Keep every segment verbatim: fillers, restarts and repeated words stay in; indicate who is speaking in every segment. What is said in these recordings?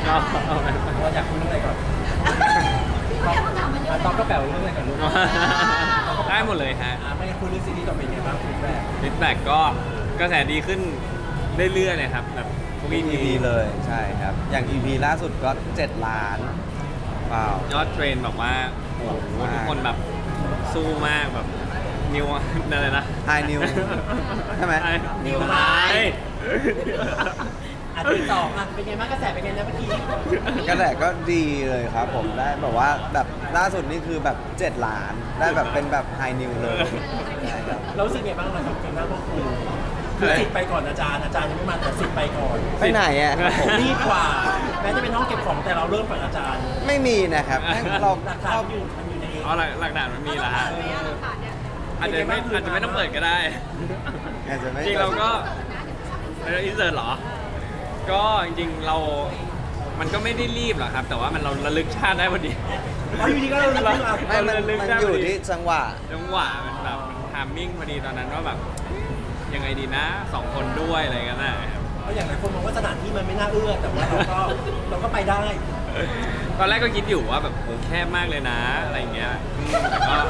Speaker 1: เราอยากคุยเรื่องอะไรก่อน
Speaker 2: พี่ก็แค่คำถามมันเยอะ
Speaker 1: ต้องก็แปลว่าเรื่องอะไรก่อนลูก
Speaker 3: ได้หมดเลยฮะ
Speaker 1: อ่าไม่ได้คุยเรื่องซีรีส์ต่อไปไงบ้างฟีดแบ็ก
Speaker 3: ฟีดแบ็กก็กระแสดีขึ้นเรื่อยๆเลยครับแบบทุก
Speaker 4: อี
Speaker 3: อี
Speaker 4: พี
Speaker 3: พี
Speaker 4: เลยใช่ครับ อย่าง อี พี ล่าสุดก็เจ็ดล้านว้าวย
Speaker 3: อดเทรนแบบว่าโอ้โหทุกคนแบบสู้มากแบบนิวอะไรนะ
Speaker 4: ไฮนิวใช่ไหม
Speaker 3: นิวไฮ
Speaker 1: อันที่สองอ่ะเป็นไงบ้างกระแสเป็นไงนะเมื่อกี้
Speaker 4: กระแสก็ดีเลยครับผมได้แบบว่าแบบล่าสุดนี่คือแบบเจ็ดล้าน ได้แบบเป็นแบบไฮนิวเลยใช่ครับ
Speaker 1: เรารู้สึกไงบ้างเราทำเกมหน้าพวกคุณคือสิทธิ์ไปก่อนอาจารย์อาจารย์ยังไม่มาแต่สิทธิ์ไปก่อน
Speaker 4: ไปไหนอ่ะครับผม
Speaker 1: รีบกว่าแม้จะเป็นห้องเก็บของแต่เราเริ่มก่อนอาจารย์
Speaker 4: ไม่มีนะครับเรา
Speaker 1: หลักฐานมันอยู่มันอยู่ในเอง
Speaker 3: อ๋อหลักหลักฐานมันมีแล้วฮะ
Speaker 2: เปิดไหมอะหลักฐานเนี่ย
Speaker 3: อาจจะไม่อาจจะไม่ต้องเปิดก็ได้
Speaker 4: อาจจะไม่
Speaker 3: จริงเราก็เราอินเสิร์ตเหรอ ก็จริงๆเรา มันก็ไม่ได้รีบหรอกครับ แต่ว่ามันเราระลึกชาติได้พอดี
Speaker 1: อ๋ออยู่ดีก็เราเริ่มอ่ะ
Speaker 4: ไม่มันมันอยู่ที่จังหวะ
Speaker 3: จังหวะมันแบบมันทามมิ่งพอดีตอนนั้นว่าแบบยังไงดีนะสองคนด้วยอะไรกันนะครับ
Speaker 1: เพราะอย่างหลายคนมองว่าสถานที่มันไม่น่าเอื้อแต่ว่าเราก็เราก็ไปได้
Speaker 3: ตอนแรกก็คิดอยู่ว่าแบบโหแคบมากเลยนะอะไรอย่างเงี้ยอืมแต่ก็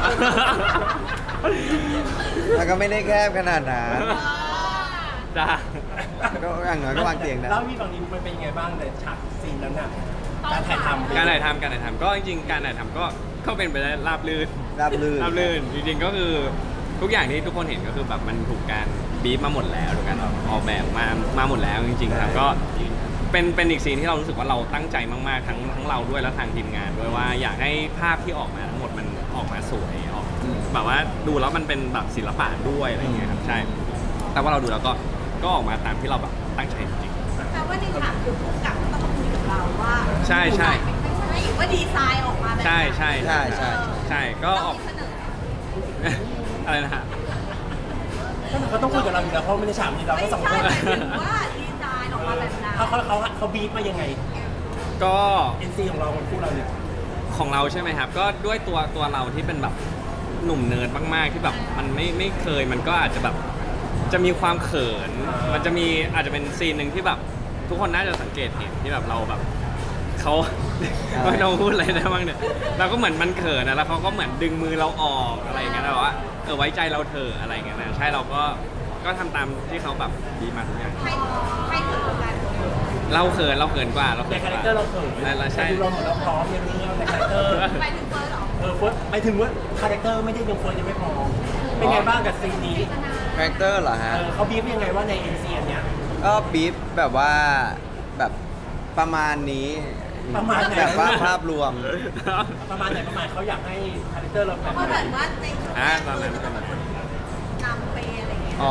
Speaker 4: มันก็ไม่ได้แคบขนาดนั้น
Speaker 3: จ้า
Speaker 4: ก็อย่างน้อยก็วางเตียงได้
Speaker 1: แล้วมีฝั่งนี้มันเป็นยังไงบ้างในฉากซีนนั้นน่ะการถ่ายทำ
Speaker 3: การถ่ายทำการถ่ายทำก็จริงๆการถ่ายทำก็ก็เป็นไปได้ราบรื่น
Speaker 4: ราบรื่น
Speaker 3: ราบรื่นจริงๆก็คือทุกอย่างที่ทุกคนเห็นก็คือแบบมันถูกการบีบมาหมดแล้วถูกการออกแบบมามาหมดแล้วจริงๆครับก็เป็นเป็นอีกซีนที่เรารู้สึกว่าเราตั้งใจมากๆทั้งทั้งเราด้วยและทางทีมงานด้วยว่าอยากให้ภาพที่ออกมาทั้งหมดมันออกมาสวยออกแบบว่าดูแล้วมันเป็นแบบศิลปะด้วยอะไรอย่างเงี้ยครับใช่ แต่ว่าเราดูแล้วก็ก็ออกมาตามที่เราแบบตั้งใจจริง
Speaker 2: แต่ว่าในฉากคือผู้กำกับต้องมาคุยกับเราว่า
Speaker 3: ใช่ใช่
Speaker 2: ไม่ใช่ว่าดีไซน์ออกมาแบบ
Speaker 3: ๆใช่ใช่
Speaker 4: ใช่ใช่
Speaker 3: ใช่ก็ออก
Speaker 2: เสนอ
Speaker 3: อะไรนะฮะ
Speaker 1: เขาต้องคุยกับเราอยู่แล้วเพราะไม่ได้ฉากนี้เรา
Speaker 2: ไม่
Speaker 1: ก็สอง
Speaker 2: ใช่
Speaker 1: คน
Speaker 2: หมายถึงว่าดีไซน์ออกมาแบบนั้น
Speaker 1: เขาเขาเขาเขาบีบมายังไง
Speaker 3: ก็
Speaker 1: เอ็นซีของเราคนคู่เราเนี่ย
Speaker 3: ของเราใช่ไหมครับ ก็ด้วยตัวตัวเราที่เป็นแบบหนุ่มเนิร์ดมากๆที่แบบมันไม่ไม่เคยมันก็อาจจะแบบจะมีความเขิน มันจะมีอาจจะเป็นซีนหนึ่งที่แบบทุกคนน่าจะสังเกตเห็นที่แบบเราแบบเขาไม่ต้องพูดอะไรได้บ้างเนี่ยเราก็เหมือนมันเขินนะแล้วเขาก็เหมือนดึงมือเราออกอะไรอย่างเงี้ยแล้วว่าเออไว้ใจเราเถอะอะไรอย่างเงี้ยนะใช่เราก็ก็ทำตามที่เขาแบบดีมาทุกอย่าง
Speaker 2: ใครใครถึงกัน
Speaker 3: เราเขินเราเขินกว่าเรา
Speaker 1: ใน
Speaker 3: เขิน
Speaker 1: คาก แรคเตอร์เรา
Speaker 3: ว่า
Speaker 1: เขิน
Speaker 3: นั่นแหละใช่
Speaker 1: แต่ดูเราเหมือนเราพร้อมในเรื่องในคาแรคเตอร์
Speaker 2: ไปถึงเฟิร์สเหรอ
Speaker 1: เออเฟิร์สไปถึงว่าคาแรคเตอร์ไม่ได้ยังเฟิร์สยังไม่พอเป็นไงบ้างกับซีนนี้
Speaker 4: คาแรคเตอร์เหรอ
Speaker 1: เอ
Speaker 4: ฮะ
Speaker 1: อเขาบีบยังไงว่าในเอ็นซีอันเนี้ย
Speaker 4: ก็บีฟแบบว่าแบบประมาณนี้
Speaker 1: ประมาณไหน
Speaker 4: แบบว่าภาพรวม
Speaker 1: ประมาณไหนประมาณเขาอยากให้คาแรคเตอร์เราแบบ
Speaker 2: เพราะ
Speaker 1: ไห
Speaker 2: เห
Speaker 1: น
Speaker 2: มือนว่าใน
Speaker 3: อ่าตอนนั้นตอนนั้น
Speaker 2: นำไปอะไรอย่างเงี้ย
Speaker 4: อ๋อ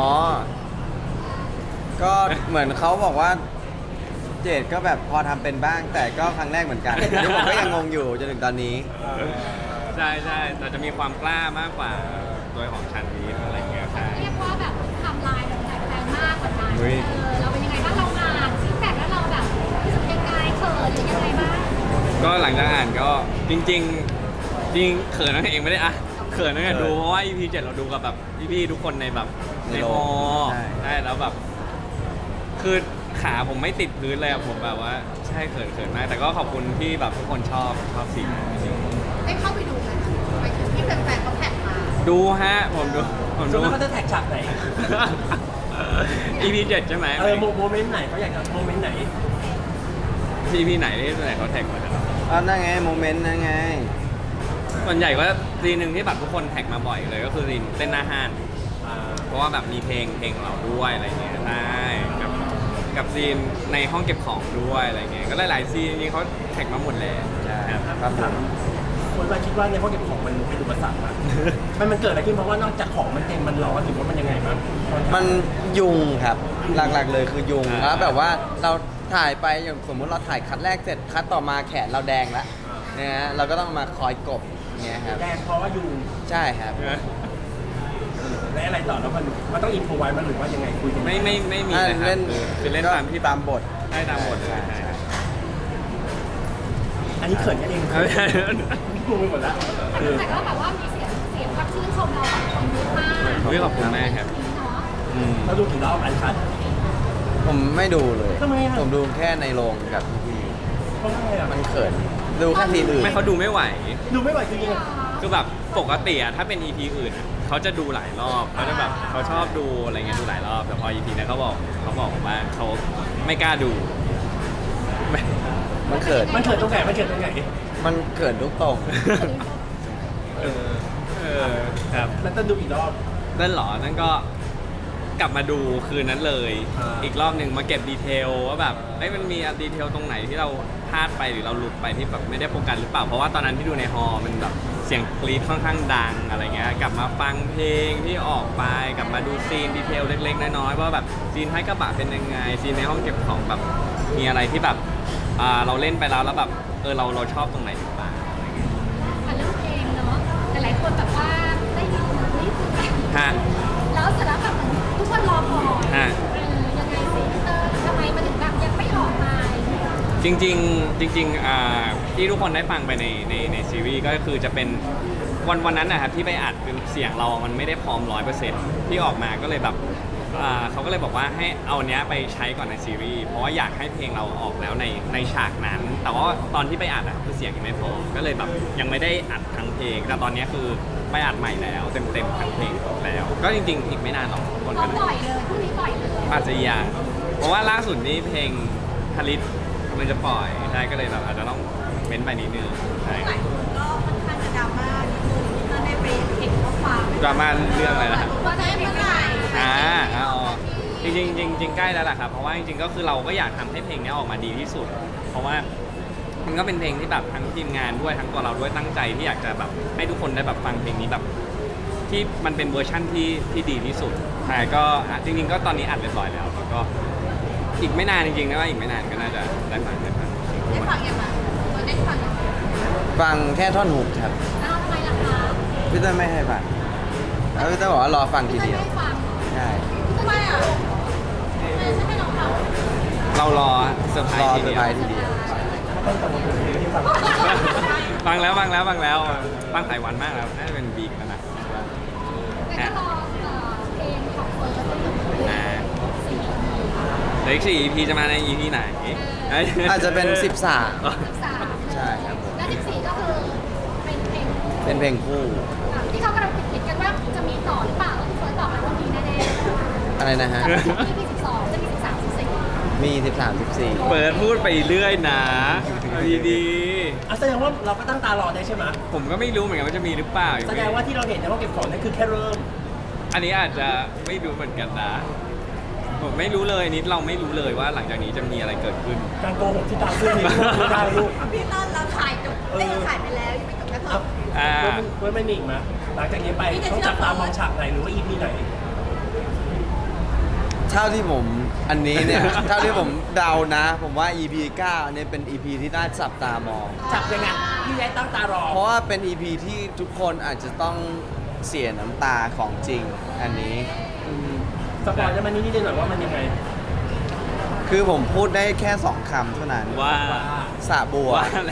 Speaker 4: ก็เหมือนเขาบอกว่าเจดก็แบบพอทำเป็นบ้าง แต่ก็ครั้งแรกเหมือนกันเดี๋ยวผมก็ยังงงอยู่จนถึงตอนนี้
Speaker 3: ใช่ใช่เราจะมีความกล้ามากกว่าตัวของชันวีอะไรอย่างเงี้ยใช่
Speaker 2: เรียกว่าแบบทำลายแบบแตกแรงมากกว่านั้น
Speaker 3: อุ๊
Speaker 2: เอย อเราเป็นยังไงบ้างเราอ่านฟีดแบ็กแล้วเราแบบรู้สึกยังไงเขินหรือยังไงบ้าง
Speaker 3: ก็หลังจากอ่านก็จริง ๆ จริงเขินนั่นเองไม่ได้อ่ะเขินนั่นเองดูเพราะว่า อี พี เจ็ดเราดูกับแบบพี่ๆทุกคนในแบบใน
Speaker 4: ใน
Speaker 3: ฮ
Speaker 4: โร
Speaker 3: อง
Speaker 4: ใช่
Speaker 3: ใช่แล้วแบบ คือขาผมไม่ติดพื้นเลยอะผมแบบว่าใช่เขินเขินมากแต่ก็ขอบคุณที่แบบทุกคนชอบชอบสิ่งนี้จริง
Speaker 2: ได้เข้าไปดูไหมไปถึงที่แฟนๆเขาแท็กมา
Speaker 3: ๆดูฮะผมดูผม
Speaker 1: ส่ว
Speaker 3: ดู
Speaker 1: นมากเขาจะแท็กฉากไหน
Speaker 3: อี พี เจ็ดใช่ไหม
Speaker 1: เออโมเมนต์ไหนเขาอยากจะโมเมนต์ไหน
Speaker 3: อี พี ไหนที่ไหนเขาแท็กมาเนี่ย
Speaker 4: อ๋อนั่นไงโมเมนต์นั่นไง ส่
Speaker 3: วนใหญ่ก็ซีนหนึ่งที่แบบทุกคนแท็กมาบ่อยเลยก็คือซีนเต้นหน้าห้าน
Speaker 1: อ่า
Speaker 3: เพราะว่าแบบมีเพลงเพลงเราด้วยอะไรเงี้ยใช่กับกับซีนในห้องเก็บของด้วยอะไรเงี้ยก็หลายๆซีนจริงๆเขาแท็กมาหมดแล้ว
Speaker 4: ใช่
Speaker 3: ครับ
Speaker 4: ครับผม
Speaker 1: คนมาคิดว่าในห้องเก็บของมันเป็นอุปสรรคอะมันมันเกิดอะไรขึ้นเพราะว่านอกจากของมันเต็มมันร้อนหรือว่ามันยังไงบ้าง
Speaker 4: มันยุงครับ หลักๆเลยคือยุงแล้วแบบว่าเราถ่ายไปอย่างสมมติเราถ่ายคัดแรกเสร็จคัดต่อมาแขนเราแดงแล้วนะฮะเราก็ต้องมาคอยกบอย่างเงี้ยครับ
Speaker 1: แดงเพราะว่ายุง
Speaker 4: ใช่ครับ
Speaker 1: และอะไรต่อแล้วมันมันต้องอินโฟไว้มันหรือว่ายังไงคุยกัน
Speaker 3: ไม่ไม่ไม่มีเลยครับ
Speaker 4: เล่น
Speaker 3: คือคือเล่นตามที่
Speaker 4: ตามบท
Speaker 3: ได้ตามบทเลย
Speaker 4: ใช่
Speaker 3: ใช่
Speaker 4: ใช่
Speaker 1: อันนี้เขินกันเอง
Speaker 3: ใช่
Speaker 1: งงไปหมดแล้วเออ
Speaker 2: แต่ก็แบบว่ามีเสียงเสียงความชื่นชมเราแบบคนเยอะมาก
Speaker 3: เฮ้ยขอบคุณมากครับ
Speaker 2: เนาะ
Speaker 3: อืม
Speaker 1: เราดูกี่รอบอันคัด
Speaker 4: ผมไม่ดูเลย
Speaker 1: ทำไมอะ
Speaker 4: ผมดูแค่ในโรงกับพี่
Speaker 1: อเพราะอะไรอ่ะ
Speaker 4: มันเขินดูแค่ซีนอื่น
Speaker 3: ไม่เขาดูไม่ไหว
Speaker 1: ดูไม่ไหวจริง
Speaker 3: คือแบบปกติอะถ้าเป็น อี พี อื่นอะเขาจะดูหลายรอบเขาจะแบบเขาชอบดูอะไรเงี้ยดูหลายรอบแต่พอ อี พี นี้เขาบอกเขาบอกว่าเขาไม่กล้าดูไม่
Speaker 4: มันเขิน
Speaker 1: ๆมันเกิดตรงไหนมันเกิดตรงไหน
Speaker 4: มันเขินทุกตรง
Speaker 3: เออเออครับ
Speaker 1: แล้วต้องดูอีกรอบ
Speaker 3: นั่นเหรอนั่นก็กลับมาดูคืนนั้นเลย
Speaker 1: อ่า
Speaker 3: อีกรอบหนึ่งมาเก็บดีเทลว่าแบบเอ้ยมันมีดีเทลตรงไหนที่เราพลาดไปหรือเราหลุดไปที่แบบไม่ได้โฟกัสหรือเปล่าเพราะว่าตอนนั้นที่ดูในฮอลล์มันแบบเสียงกรีดค่อนข้างดังอะไรเงี้ยกลับมาฟังเพลงที่ออกไปกลับมาดูซีนดีเทลเล็กๆน้อยๆว่าแบบซีนท้ายกระบะเป็นยังไงซีนในห้องเก็บของแบบมีอะไรที่แบบอ่าเราเล่นไปแล้วแล้วแบบเออเราเราชอบตรงไหนหรือเปล่าอะไรเงี้ย
Speaker 2: อ่ะเรื่องเพลงเนาะแต่หลายคนแบบว่าได้ยินนี่คือ
Speaker 3: ฮะ
Speaker 2: แล้วเสร็จแล้วแบบเหมือนทุกคนรอคอย
Speaker 3: ฮะ
Speaker 2: เออยังไงสิพี่เตอร์ทำไมมันถึงแบบยังไม่ออกมาอะไรอย่างเงี้ย
Speaker 3: จริงๆจริงๆอ่าที่ทุกคนได้ฟังไปในในในซีรีส์ก็คือจะเป็นวันวันนั้นนะครับที่ไปอัดคือเสียงเรามันไม่ได้พร้อมร้อยเปอร์เซ็นต์ที่ออกมาก็เลยแบบอ่าเขาก็เลยบอกว่าให้เอาเนี้ยไปใช้ก่อนในซีรีส์เพราะว่าอยากให้เพลงเราออกแล้วในในฉากนั้น แต่ว่าตอนที่ไปอัดอะคือเสียงยังไม่พร้อมก็เลยแบบยังไม่ได้อัดทั้งเพลงแต่ตอนเนี้ยคือไปอัดใหม่แล้วเต็มเต็มๆทั้งเพลงแล้ว ก็จริงๆอีกไม่นานหรอกคน
Speaker 2: เขา
Speaker 3: ก็
Speaker 2: ปล่อยเลยพรุ่งนี้ปล่อยเลย
Speaker 3: อาจจะยังเพราะว่าล่าสุดนี้เพลงฮาริสมันจะปล่อยใช่ก็เลยแบบอาจจะต้องเม้นไปนิดนึงใช่
Speaker 5: หลายคนก็ค่อนข้างจะดราม่านิดนึงที่มันได้ไปเห็นข้อความ
Speaker 3: ดราม่าเรื่องอะไรนะครับ
Speaker 2: ว่าจะให้เมื่อไหร่
Speaker 3: อ่าอ๋อจริงๆจริงๆจริงๆใกล้แล้วล่ะครับเพราะว่าจริงๆก็คือเราก็อยากทำให้เพลงนี้ออกมาดีที่สุด เพราะว่ามันก็เป็นเพลงที่แบบทั้งทีมงานด้วยทั้งตัวเราด้วยตั้งใจที่อยากจะแบบให้ทุกคนได้แบบฟังเพลงนี้แบบที่มันเป็นเวอร์ชั่นที่ที่ดีที่สุดใช่ก็อ่ะจริงๆก็ตอนนี้อัดเรียบร้อยแล้วแล้วก็อีกไม่นานจริงๆนะว่าอีกไม่นานก็น่าจะได้ฟังได้ฟัง
Speaker 5: ได้ฟังยังไงเราได้ฟังยังไง
Speaker 4: ฟังแค่ท่อนฮุกครับ
Speaker 2: อ้าวทำไมล่ะคะ
Speaker 4: พี่เต้ยไม่ให้ฟังแล้วพี่เต้ยบอกว่ารอฟังที
Speaker 2: ไม่
Speaker 4: เดียว
Speaker 2: ได้ฟัง
Speaker 4: ใช่
Speaker 2: ทำไมอ่ะไม่ใช่ให้เราฟัง
Speaker 3: เรารอเซอร์ไพร
Speaker 4: รอ
Speaker 3: ส์ที
Speaker 4: เซอ
Speaker 3: เดี
Speaker 4: ร์
Speaker 3: ย
Speaker 4: ไพร
Speaker 3: ว
Speaker 4: ส์ทีเดียว
Speaker 1: ต้องแต่ว่าผมไม่ได้ฟัง
Speaker 3: ฟังแล้วฟังแล้วฟังแล้วฟังหลายวันมากแล้วน่าจะเป็นวีคแล้วนะ
Speaker 2: แต่ก็รอเอ่อเพลงของเฟิร์สเป็นแบบ
Speaker 3: อ่า
Speaker 2: สี่
Speaker 3: เดี๋ยวอีกสี่ อี พี จะมาใน อี พี ไหน
Speaker 4: อาจจะเป็นสิบสาม
Speaker 2: สิบสาม
Speaker 4: ใช่ครับผม
Speaker 2: แล้วสิบสี่ก็คือเป็นเพลง
Speaker 4: เป็นเพลงคู่
Speaker 2: ที่เขากำลังติดๆกันว่าจะมีต่อหรือเปล่าแล้วเฟิร์สบอกแล้วว่ามีแน่ๆ
Speaker 4: อะไรนะฮะ
Speaker 2: จะมีที่สิบสองจะมีสิบสามสิบสี่
Speaker 4: มีสิบสาม สิบสี่
Speaker 3: เปิดพูดไปเรื่อยนะเอาดี
Speaker 1: อ่ะแสดงว่าเราก็ตั้งตารอได้ใช่ไหม
Speaker 3: ๆผมก็ไม่รู้เหมือนกันว่าจะมีหรือเปล่า
Speaker 1: แสดงว่าที่เราเห็นในห้องเก็บของนั่นคือแค่เริ่ม
Speaker 3: อันนี้อาจจะไม่รู้เหมือนกันนะ ผมไม่รู้เลยนิดเราไม่รู้เลยว่าหลังจากนี้จะมีอะไรเกิดขึ้น
Speaker 1: การโกหกที่ตามเพื่อนนี่พูดได้ลูก
Speaker 5: พี่ต้นเราถ่ายจบเอ้ยเราถ่ายไปแล้วยังไม่จบแค่ตอ
Speaker 1: อ่ะ
Speaker 5: น
Speaker 3: อ่า
Speaker 1: เพื่อนเพื่อนไม่มีอีกไหมหลังจากนี้ไปต้องจับตามองฉากไหนหรือว่า อี พี ไหน
Speaker 4: เท่าที่ผมอันนี้ เนี่ย เท่าที่ผมเดานะ ผมว่า อี พี เก้าเนี่ยเป็น อี พี ที่น่าจับตามอง
Speaker 1: จับยังไงพี่แย้ตั้งตารอ
Speaker 4: เพราะว่าเป็น อี พี ที่ทุกคนอาจจะต้องเสียน้ำตาของจริง อันนี้
Speaker 1: สปอยล์ได้ไหมนิดนิดหน่อยๆว่ามันยังไง
Speaker 4: คือผมพูดได้แค่สองคำเท่านั้น
Speaker 3: ว่า
Speaker 4: สระบัว
Speaker 3: ว่าอะไร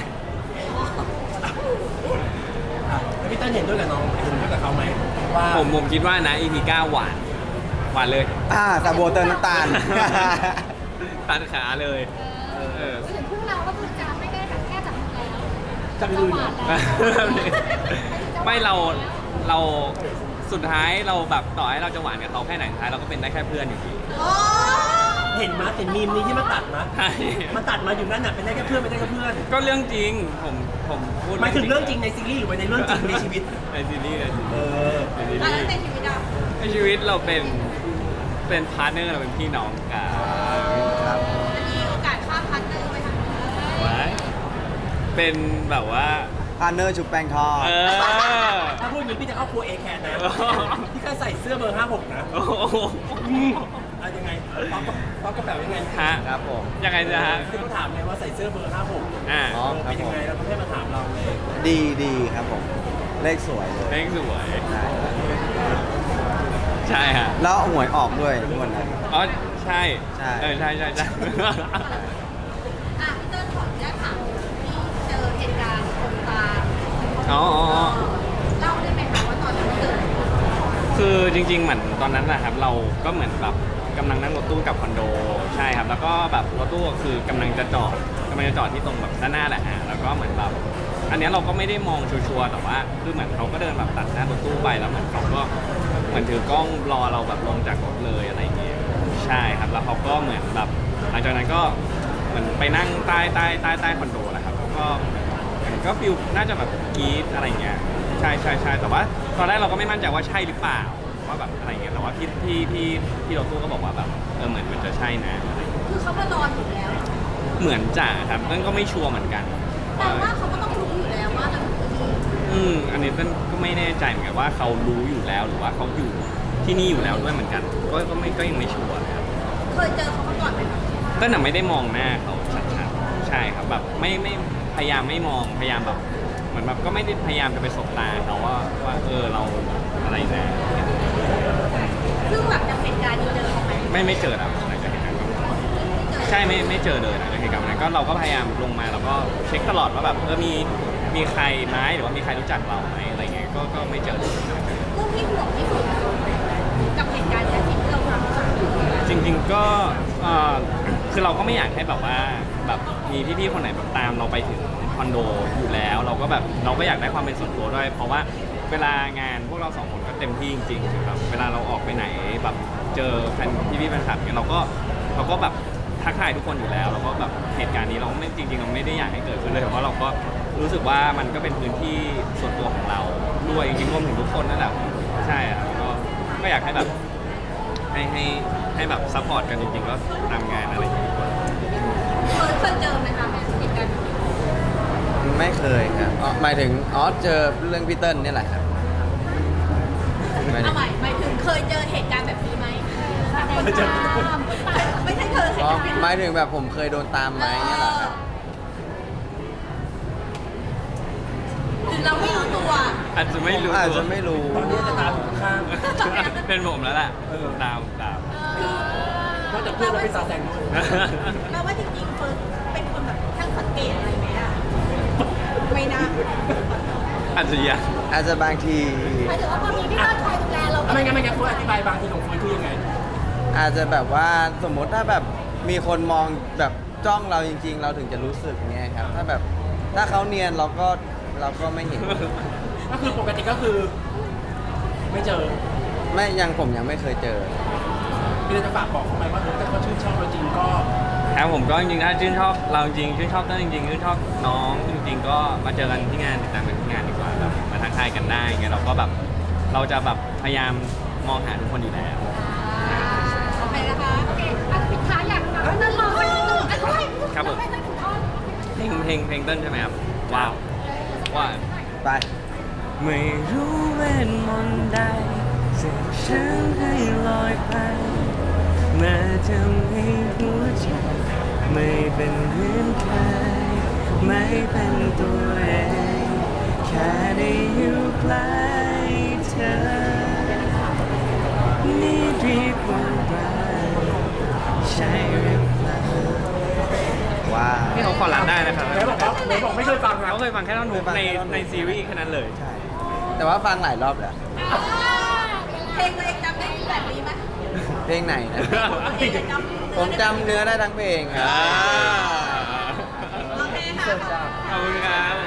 Speaker 1: อ่ะแล้วพี่เต้นเห็นด้วยกับน้องเห็นด้วยกับเขาไหมว่า
Speaker 3: ผมผมคิดว่านะ อี พี เก้าหวาน หวานเลย
Speaker 4: อ่าสระบัวเติมน้ำตาล
Speaker 3: ตัดขาเลย เออ
Speaker 2: ถึงพวกเราก็คือจะไม่ได้แบบแค่จับมือแล้ว
Speaker 1: จับ
Speaker 2: จะ
Speaker 1: มือ
Speaker 2: หวานแล้ว
Speaker 3: ไม่เราเราสุดท้ายเราแบบต่อให้เราจะหวานกับเขาแค่ไหนสุดท้ายเราก็เป็นได้แค่เพื่อนอยู่ดี
Speaker 5: โอ้
Speaker 1: เห็นมาเห็นมีมนี้ที่มาตัดมา
Speaker 3: ใช่
Speaker 1: มันตัดมาอยู่นั่นน่ะเป็นได้แค่เพื่อนเป็นได้แค่เพื่อน
Speaker 3: ก็เรื่องจริงผมผมพูด
Speaker 1: หมายถึงเรื่องจริงในซีรีส์หรือว่าในเรื่องจริงในชีวิต
Speaker 3: ในซีรีส์ในซี
Speaker 1: เอ
Speaker 3: รีส์
Speaker 1: อ
Speaker 3: ในซี
Speaker 5: แล้ว
Speaker 3: รีส์
Speaker 5: ในชีวิตอะ
Speaker 3: ในชีวิตเราเป็นเป็นพาร์ทเนอร์เราเป็นพี่น้องกัน
Speaker 4: ครับ
Speaker 5: มันมีโอกาสข้ามพันเตอร์ไปทางนี้
Speaker 3: ไว้เป็นแบบว่า
Speaker 4: พาร์เนอร์ชุบแป้งทอด
Speaker 3: เออ
Speaker 1: ถ้าพูดอย่างนี้พี่จะเข้าครัวเอแคนนะ
Speaker 3: โอ้โห
Speaker 1: พี่แค่ใส่เสื้อเบอร์ห้าหกนะ
Speaker 3: โอ้โห
Speaker 1: อืมอะยังไงป๊อปกับป๊อปกับแบบยังไง
Speaker 3: ฮะ
Speaker 4: ครับผม
Speaker 3: ยังไงจะฮะ
Speaker 1: ที่เขาถามไงว่าใส่เสื้อเบอร์ห้าหก
Speaker 3: อ่า
Speaker 4: อ๋อ
Speaker 1: เป็นยังไงแล้วเขาให้มาถามเราเลย
Speaker 4: ดีดีครับผม เลขสวยเลย
Speaker 3: เพลงสวย
Speaker 4: ใช่ครับ
Speaker 3: ใช่ฮะ
Speaker 4: แล้วหวยออกด้วยวันนั้น
Speaker 3: อ๋อใช่
Speaker 4: ใช่
Speaker 3: เออใช่ใช่ใช่
Speaker 5: อ่ะพี่ต้นขออนุญาตถามที่เจอเหตุการณ์คนตา
Speaker 3: อ๋ออ๋ออ๋อ
Speaker 5: เล่าได้ไหมคะว่าตอนนั้นมันเกิดอะไรขึ้น
Speaker 3: คือจริงๆเหมือนตอนนั้นนะครับเราก็เหมือนแบบกำลังนั่งรถตู้กลับคอนโดใช่ครับแล้วก็แบบรถตู้ก็คือกำลังจะจอดกำลังจะจอดที่ตรงแบบด้านหน้าแหละฮะแล้วก็เหมือนแบบอันเนี้ยเราก็ไม่ได้มองชัวร์ๆแต่ว่าคือเหมือนเขาก็เดินแบบตัดหน้ารถตู้ไปแล้วเหมือนเขาก็เหมือนถือกล้องรอเราแบบลงจากรถเลยอะไรอย่างเงี้ยใช่ครับแล้วเขาก็เหมือนแบบหลังจากนั้นก็เหมือนไปนั่งใต้ใต้ใต้ใต้คอนโดแหละครับก็เหมือนก็ฟิลน่าจะแบบกรี๊ดอะไรเงี้ยใช่ใช่ใช่แต่ว่าตอนแรกเราก็ไม่มั่นใจว่าใช่หรือเปล่าว่าแบบอะไรเงี้ยแต่ว่าพี่พี่พี่พี่รถตู้ก็บอกว่าแบบเออเหมือนมันจะใช่นะอะไรเงี้ย
Speaker 5: คือเขามารออยู่แล้ว
Speaker 3: เหมือนจ่าครับนั่นก็ไม่ชัวร์เหมือนกัน
Speaker 5: แต่ว่าเขาก็ต้องรู้อยู่แล้วว่าเราอยู่ที่นี่
Speaker 3: อืมอันนี้นั่นก็ไม่แน่ใจเหมือนกันว่าเขารู้อยู่แล้วหรือว่าเขาอยู่ที่นี่อยู่แล้วด้วยเหมือนกัน ก็ก็ไม่ก็ยังไม่ชัวร์ครับ
Speaker 5: เคยเจอเขามาก่อนไหมคะ
Speaker 3: ก็หนัไม่ได้มองหน้าเขาชัดๆใช่ครับแบบไม่ไม่พยายามไม่มองพยายามแบบเหมือนแบบก็ไม่ได้พยายามจะไปสบตาเขาว่าว่าเออเราอะไรนะ
Speaker 5: ซึ่งแบบจากเหตุการณ์นี้เจอเขาไหม
Speaker 3: ไม่ไม่เจอครับหลังจากเหตุการณ์นั้น
Speaker 5: ไม่เจอ
Speaker 3: ใช่ไม่ไม่เจอเลยหลังจากเหตุการณ์นั้นก็เราก็พยายามลงมาแล้วก็เช็คตลอดว่าแบบเออมีมีใครไหมหรือว่ามีใครรู้จักเราไหมอะไรเงี้ยก็ก็ไม่เจอเลย
Speaker 5: เรื่องที่ห่วงที่สุดกับเหตุการณ์นี้ที่เราทำ
Speaker 3: จริงๆก็เอ่อคือเราก็ไม่อยากให้แบบว่าแบบมีพี่ๆคนไหนแบบตามเราไปถึงคอนโดอยู่แล้ว เราก็แบบเราก็อยากได้ความเป็นส่วนตัวด้วย เพราะว่าเวลางานพวกเราสองคนก็เต็มที่จริงๆแบบเวลาเราออกไปไหนแบบเจอแฟนพี่ๆแฟนคลับเนี่ยเราก็เราก็แบบทักทายทุกคนอยู่แล้วแล้วก็แบบเหตุการณ์นี้เราไม่จริงๆเราไม่ได้อยากให้เกิดขึ้นเลยเพราะเราก็รู้สึกว่ามันก็เป็นพื้นที่ส่วนตัวของเราด้วยจริงๆรวมถึงทุกคนนั่นแหละใช่อะก็ก็อยากให้แบบ ให้ให้ให้แบบซัพพอร์ตกันจริงๆก็ตามงานอะไรอย่างเงี้ย
Speaker 5: เคยเคยเจอไหมคะเหตุการณ์นี้
Speaker 4: ไม่เคยครับอ๋อหมายถึงอ๋อเจอเรื่องพี่เติ้ลนี่แหละครับหมายถึ
Speaker 5: เอา
Speaker 4: ง
Speaker 5: ใหม่หมายถึงเคยเจอเหตุการณ์แบบนี้ไหม
Speaker 2: ไม่เจอ
Speaker 5: ไม่ใช่เคยเหตุ
Speaker 4: อ๋อ
Speaker 5: การณ์แบบ
Speaker 4: หมายถึงแบบผมเคยโดนตามไหมเนี่ยเหรอครับ
Speaker 5: หรือเราไม่รู้ตัว
Speaker 3: อาจจะไม่รู้
Speaker 4: อาจจะไม่รู้
Speaker 1: ตอนนี้จะตามข้าง
Speaker 3: เป็นผมแล้วแหละ
Speaker 1: เออ
Speaker 3: ตามตาม
Speaker 1: นอกจากเพื่อนเราเป็นสาวแสง
Speaker 5: เราว่าจริงๆเฟิร์นเป็นคนแบบช่างสังเกตอะไรไหมอะไม่น่า
Speaker 3: อาจจะยัง
Speaker 4: อาจจะบางที
Speaker 2: หมายถึงว่าพอมีพี่เติ้ลคอยดูแลเรา
Speaker 1: ไม่งั้นไม่งั้นเฟิร์นอธิบายบางทีของเฟิร์นคือยังไง
Speaker 4: อาจจะแบบว่าสมมติถ้าแบบมีคนมองแบบจ้องเราจริง ๆ เราถึงจะรู้สึกเงี้ยครับ ถ้าแบบถ้าเขาเนียนเราก็เราก็ไม่เห็น
Speaker 1: ก็คือปกติก็คือ ไม่เจอ
Speaker 4: ไม่ยังผมยังไม่เคยเจอ
Speaker 1: พี่เลยจะฝากบอกเขาไหมว่าเออถ้าเขาชื่นชอบเราจริงก็
Speaker 3: ครับผมก็จริงๆถ้าชื่นชอบเราจริงชื่นชอบเต้นจริงๆชื่นชอบน้องจริง ๆ ก็มาเจอกันที่งานติดตามกันที่งานดีกว่าแบบมาทักทายกันได้ไงเราก็แบบเราจะแบบพยายามมองหาทุกคนอยู่แล้ว
Speaker 5: โอเคนะคะ
Speaker 2: โอเคอันปิดท้ายอยากฟังเติ้ลร้องให้หนึ่งอันด้วย
Speaker 3: ครับผม
Speaker 2: ร้องให้เติ้ลถูกท่อน
Speaker 3: เพลงเพลงเพลงเต้นใช่ไหมครับว้าวว่า
Speaker 4: ไป
Speaker 3: ไม่รู้เวทมนต์ใดเสกฉันให้ลอยไปมาทำให้หัวใจไม่เป็นเหมือนใครไม่เป็นตัวเองแค่ได้อยู่ใกล้เธอนี่เรียกว่ารักใช่หรือเปล่า
Speaker 4: ว้าว
Speaker 3: นี่เขาขอรับได้นะครับ
Speaker 1: ไหนบอกว่าไหนบอกไม่เคยฟังนะ
Speaker 3: เขาเคยฟังแค่ท่อนฮุกในในซีรีส์แค่นั้นเลย
Speaker 4: ใช่ แต่ว่าฟังหลายรอบแล้ว
Speaker 5: เพลงตัวเองจำได้แบบนี้ไหม
Speaker 4: เพลงไหนนะ
Speaker 5: เพลงจำ
Speaker 4: ผมจำเนื้อได้ทั้งเพลงครับ
Speaker 5: โอเคค่ะ
Speaker 3: ขอบคุณครับ